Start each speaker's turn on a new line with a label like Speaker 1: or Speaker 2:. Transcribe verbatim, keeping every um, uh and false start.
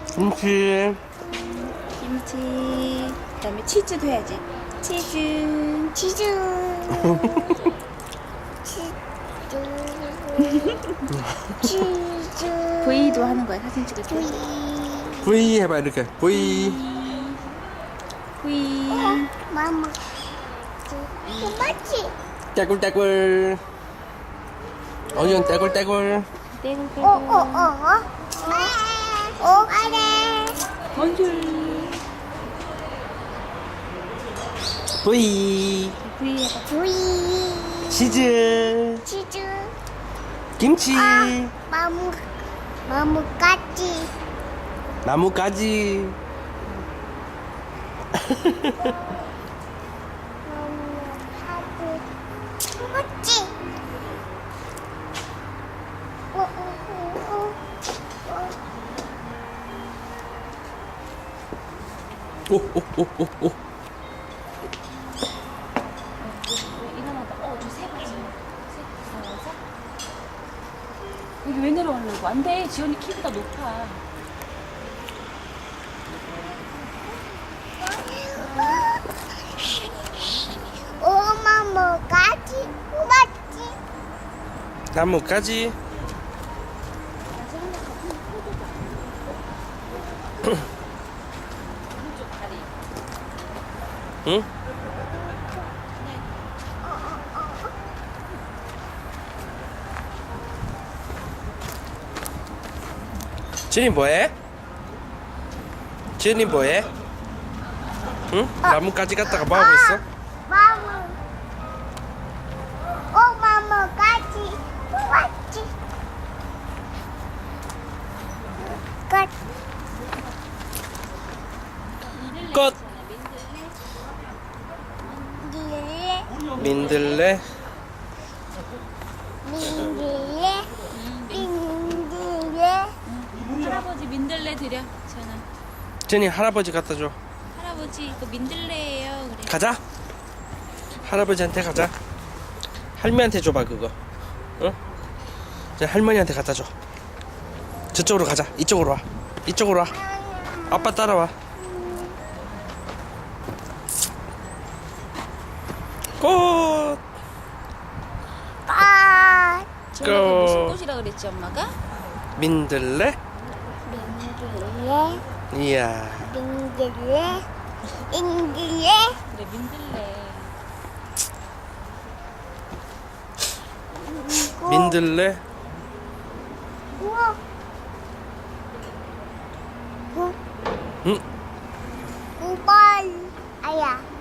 Speaker 1: 김치.
Speaker 2: 김치. 그다음에 치즈도 해야지. 치즈.
Speaker 3: 치즈. 치즈. 치즈.
Speaker 2: V도 하는 거야. 사진 찍을 때.
Speaker 1: V 해봐 이렇게. V.
Speaker 2: V.
Speaker 3: 마마. 맞지?
Speaker 1: 떼굴떼굴. 어이언 떼굴떼굴.
Speaker 2: 떼굴떼굴.
Speaker 3: 어, 어, 어, 어. 어, 아래.
Speaker 2: bonjour.
Speaker 1: V.
Speaker 2: V 해봐.
Speaker 3: 부이.
Speaker 1: 치즈.
Speaker 3: 치즈.
Speaker 1: 김치.
Speaker 3: 아, 마무. 마무까지.
Speaker 1: 나뭇가지.
Speaker 3: 맞지? 어, 어, 어, 어.
Speaker 1: 오오오오오.
Speaker 2: 일어나다. 어, 저새 가지. 새 여기 왜 내려오려고? 안 돼. 지원이 키보다 높아.
Speaker 3: 엄마 뭐까지? 맞지?
Speaker 1: 나뭇가지.
Speaker 2: 오른쪽 다리.
Speaker 1: 응? 지은이 뭐해? 지은이 뭐해? 응? 나뭇가지 갔다가 뭐하고 있어?
Speaker 3: 마무. 엄마 뭐까지? 맞지? 끝.
Speaker 1: 꽃.
Speaker 3: 민들레.
Speaker 1: 민들레.
Speaker 3: 민들레. 민들레.
Speaker 2: 할아버지 민들레 드려. 전화.
Speaker 1: 지은이 할아버지 갖다 줘.
Speaker 2: 할아버지 이거 민들레예요. 그래.
Speaker 1: 가자. 할아버지한테 가자. 할머니한테 줘봐 그거. 응? 이제 할머니한테 갖다 줘. 저쪽으로 가자. 이쪽으로 와. 이쪽으로 와. 아빠 따라와. 꽃.
Speaker 3: 아.
Speaker 2: 지원아 그 무슨
Speaker 1: 고.
Speaker 2: 꽃이라 그랬지 엄마가?
Speaker 1: 민들레.
Speaker 3: 민들레.
Speaker 1: 이야.
Speaker 3: 민들레. 민들레.
Speaker 2: 그래 민들레.
Speaker 1: 민들레.
Speaker 3: 우와. 우.
Speaker 1: 응?
Speaker 3: 우발. 아야.